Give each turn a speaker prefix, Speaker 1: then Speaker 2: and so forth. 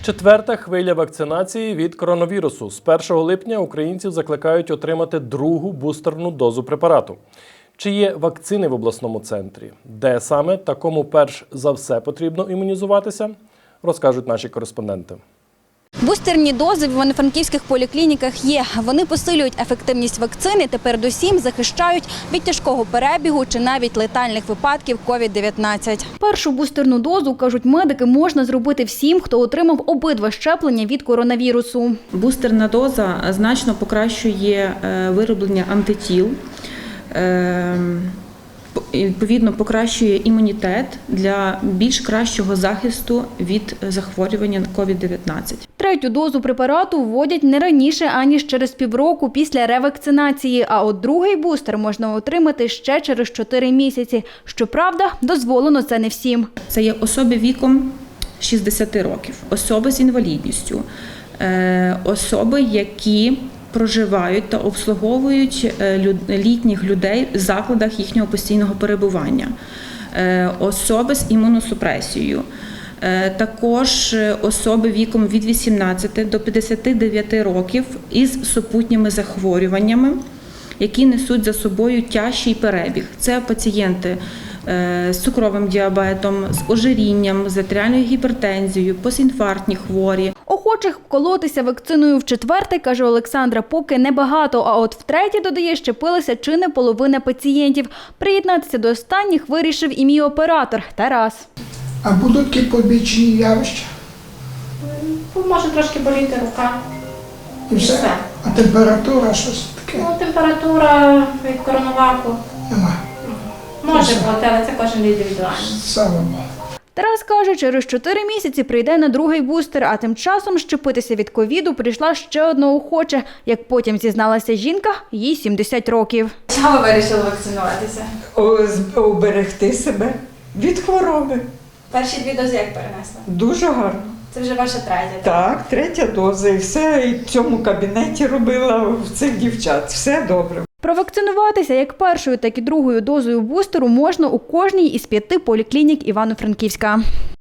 Speaker 1: Четверта хвиля вакцинації від коронавірусу. З 1 липня українців закликають отримати другу бустерну дозу препарату. Чи є вакцини в обласному центрі? Де саме та кому перш за все потрібно імунізуватися? Розкажуть наші кореспонденти.
Speaker 2: Бустерні дози в івано-франківських поліклініках є. Вони посилюють ефективність вакцини та передусім захищають від тяжкого перебігу чи навіть летальних випадків COVID-19. Першу бустерну дозу, кажуть медики, можна зробити всім, хто отримав обидва щеплення від коронавірусу.
Speaker 3: Бустерна доза значно покращує вироблення антитіл, відповідно покращує імунітет для більш кращого захисту від захворювання COVID-19.
Speaker 2: Третю дозу препарату вводять не раніше, аніж через півроку після ревакцинації, а от другий бустер можна отримати ще через 4 місяці. Щоправда, дозволено це не всім.
Speaker 3: Це є особи віком 60 років, особи з інвалідністю, особи, які проживають та обслуговують літніх людей в закладах їхнього постійного перебування, особи з імуносупресією, також особи віком від 18 до 59 років із супутніми захворюваннями, які несуть за собою тяжкий перебіг. Це пацієнти з цукровим діабетом, з ожирінням, з артеріальною гіпертензією, постінфарктні хворі.
Speaker 2: Охочих вколотися вакциною вчетверте, каже Олександра, поки небагато, а от втретє, додає, щепилася чи не половина пацієнтів. Приєднатися до останніх вирішив і мій оператор Тарас.
Speaker 4: А будуть які побічні явища?
Speaker 5: Може трошки боліти рука.
Speaker 4: І все? А температура, щось таке?
Speaker 5: Ну, температура від коронаваку
Speaker 4: Нема.
Speaker 5: може бути, але це кожен індивідуально.
Speaker 4: Слава Богу.
Speaker 2: Тарас каже, через 4 місяці прийде на другий бустер, а тим часом щепитися від ковіду прийшла ще одна охоча. Як потім зізналася жінка, їй 70 років.
Speaker 5: Чого ви вирішили вакцинуватися?
Speaker 6: Уберегти себе від хвороби.
Speaker 5: Перші 2 дози як перенесли?
Speaker 6: Дуже гарно.
Speaker 5: Це вже ваша третя.
Speaker 6: Так, третя доза і все, і в цьому кабінеті робила в цих дівчат. Все добре.
Speaker 2: Провакцинуватися як першою, так і другою дозою бустеру можна у кожній із 5 поліклінік Івано-Франківська.